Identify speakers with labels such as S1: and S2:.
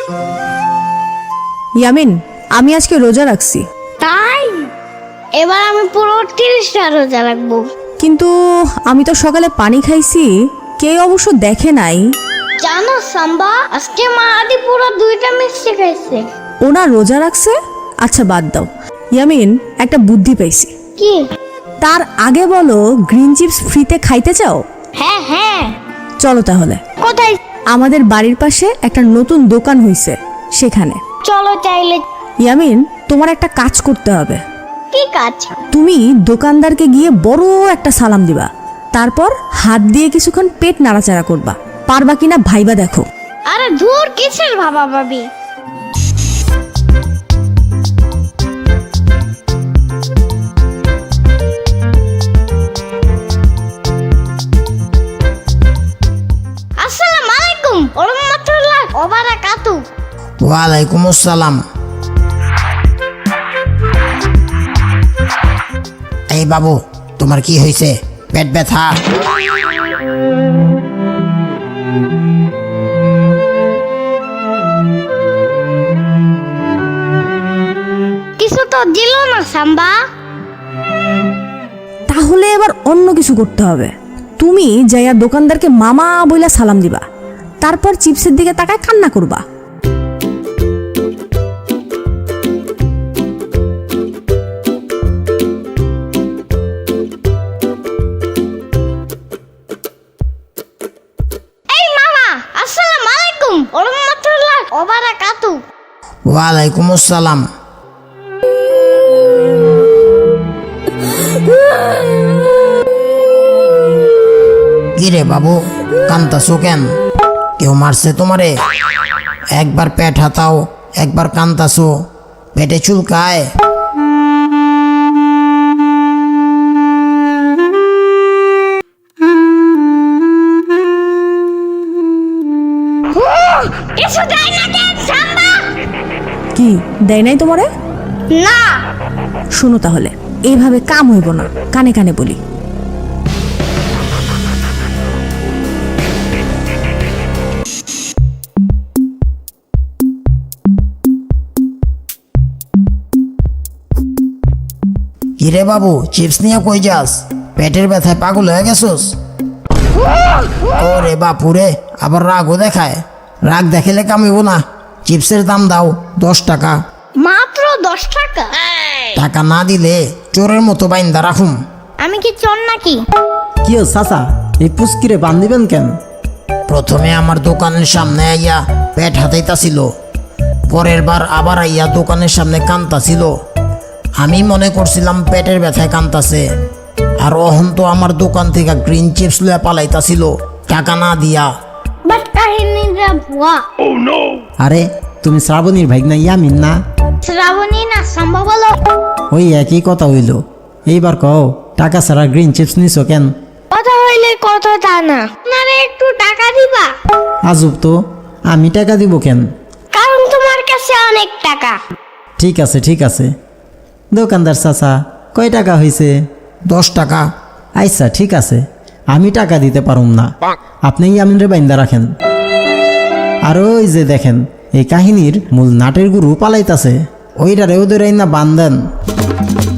S1: ইয়ামিন, আমি আজকে রোজা রাখছি।
S2: তাই এবার আমি পুরো 30টা রোজা রাখবো।
S1: কিন্তু আমি তো সকালে পানি খাইছি, কেউ অবশ্য দেখে নাই।
S2: জানো সাম্বা, আজকে মা আদি পুরো 2টা মিষ্টি খাইছে।
S1: ওনা রোজা রাখছে? আচ্ছা বাদ দাও। ইয়ামিন, একটা বুদ্ধি পাইছি।
S2: কি?
S1: তার আগে বলো, গ্রিন চিপস ফ্রিতে খাইতে চাও?
S2: হ্যাঁ হ্যাঁ।
S1: চলো তাহলে।
S2: কোথায়?
S1: আমাদের বাড়ির পাশে একটা নতুন দোকান হইছে, সেখানে।
S2: চলো চাইলে।
S1: ইয়ামিন, তোমার একটা কাজ করতে হবে।
S2: কি কাজ?
S1: তুমি দোকানদারকে গিয়ে বড় একটা সালাম দিবা, তারপর হাত দিয়ে কিছুক্ষণ পেট নাড়াচাড়া করবা। পারবা কিনা ভাইবা দেখো।
S2: আরে ধুর, কিসের ভাবা ভাবি। আসসালামু আলাইকুম ওয়া রাহমাতুল্লাহি ওয়া বারাকাতুহু।
S3: ওয়ালাইকুম আসসালাম। এই বাবু, তোমার কি হয়েছে? পেট ব্যথা?
S2: কিছু তো দিল না সাম্বা।
S1: তাহলে এবার অন্য কিছু করতে হবে। তুমি যাইয়া দোকানদারকে মামা বইলা সালাম দিবা, তারপর চিপসের দিকে তাকায় কান্না করবা।
S2: এই মামা, আসসালামু আলাইকুম ওয়া রাহমাতুল্লাহি ওয়া বারাকাতুহু।
S3: ওয়ালাইকুম আসসালাম। কিরে বাবু, কান্তাছো কেন? কেউ মারছে তোমারে? একবার পেট হাতাও, একবার কান্তাছো, পেটে চুলকায়।
S2: কিছু দেয় না কেন সাম্বা?
S1: কি দেয় নাই তোমারে?
S2: না।
S1: শোনো তাহলে, এইভাবে কাম হইব না, কানে কানে বলি।
S3: কিরে বাবু, চিপস নিয়ে কই যাস? পেটের ব্যথায় পাগল হয়ে গেছোস? ওরে বাপুরে, আবার রাগও দেখায়। রাগ দেখালে কামিব না। চিপসের দাম দাও 10 টাকা।
S2: মাত্র 10 টাকা?
S3: টাকা না দিলে চোরের মতো বাইন্দা রাখুম।
S2: আমি কি চোর নাকি?
S4: কি ও চাচা, এই পুস্কিরে বান দিবেন কেন?
S3: প্রথমে আমার দোকানের সামনে আইয়া পেট হাতাইতাছিল, পরের বার আবার আইয়া দোকানের সামনে কান্তাছিল। আমি মনে করছিলাম পেটের ব্যথায় কান্তাছে, আর অহন তো আমার দোকান থেকে গ্রিন চিপস লইয়া পালাইতাছিল টাকা না দিয়া।
S2: বাট কাহিনীটা ভুয়া।
S4: আরে তুমি শ্রাবণীর ভাইগনা ইয়ামিন না?
S2: শ্রাবণী না সাম্বা বলো।
S4: ওই একই কথা হইল। এইবার কও, টাকা ছাড়া গ্রিন চিপস নিছো কেন?
S2: কথা হইলে কথা তা না, আপনারা একটু টাকা দিবা।
S4: আজব তো, আমি টাকা দিব কেন?
S2: কারণ তোমার কাছে অনেক টাকা।
S4: ঠিক আছে ঠিক আছে। দোকানদার চাচা, কয় টাকা হয়েছে?
S3: 10 টাকা।
S4: আচ্ছা ঠিক আছে, আমি টাকা দিতে পারুম না, আপনি ইয়ামিনরে বাইন্দা রাখেন। আর ওই যে দেখেন, এই কাহিনীর মূল নাটের গুরু পালাইতাছে, ওইটারে ওদের না বান্ধেন।